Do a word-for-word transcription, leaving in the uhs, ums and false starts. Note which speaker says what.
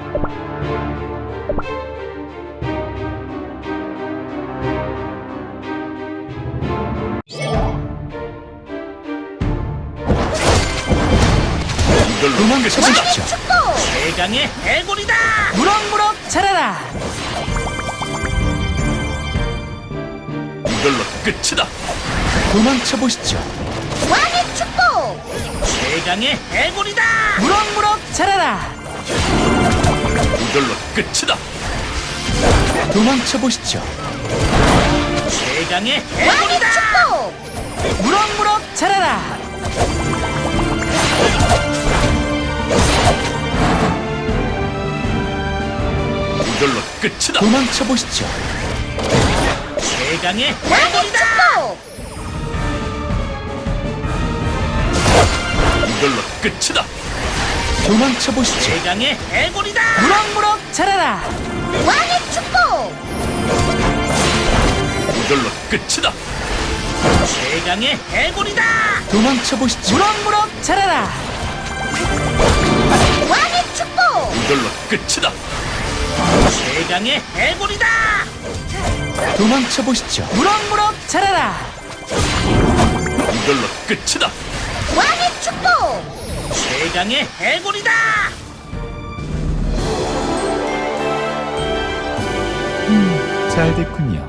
Speaker 1: 이걸로
Speaker 2: 도망쳐보시죠.
Speaker 3: 최강의 해골이다.
Speaker 2: 무럭무럭 자라라.
Speaker 1: 이걸로 끝이다.
Speaker 2: 도망쳐보시죠.
Speaker 4: 왕의 축복!
Speaker 3: 최강의 해골이다.
Speaker 2: 무럭무럭 자라라.
Speaker 1: 이걸로 끝이다.
Speaker 2: 도망쳐보시죠.
Speaker 3: 최강의
Speaker 4: 왕의
Speaker 3: 해골이다.
Speaker 4: 축복!
Speaker 2: 무럭무럭 자라라.
Speaker 1: 이걸로 끝이다.
Speaker 2: 도망쳐보시죠.
Speaker 3: 최강의
Speaker 4: 왕의
Speaker 3: 해골이다.
Speaker 4: 축복!
Speaker 1: 이걸로 끝이다.
Speaker 2: 도망쳐보시죠.
Speaker 3: 최강의 해골이다.
Speaker 2: 무럭무럭 자라라.
Speaker 4: 왕의 축복!
Speaker 1: 이걸로 끝이다.
Speaker 3: 최강의 해골이다.
Speaker 2: 도망쳐보시죠. 무럭무럭 자라라.
Speaker 4: 왕의 축복!
Speaker 1: 이걸로 끝이다.
Speaker 3: 최강의 해골이다.
Speaker 2: 도망쳐보시죠. 무럭무럭 자라라.
Speaker 1: 이걸로 끝이다.
Speaker 4: 왕의 축복!
Speaker 3: 최강의 해골이다.
Speaker 2: 잘 됐군요.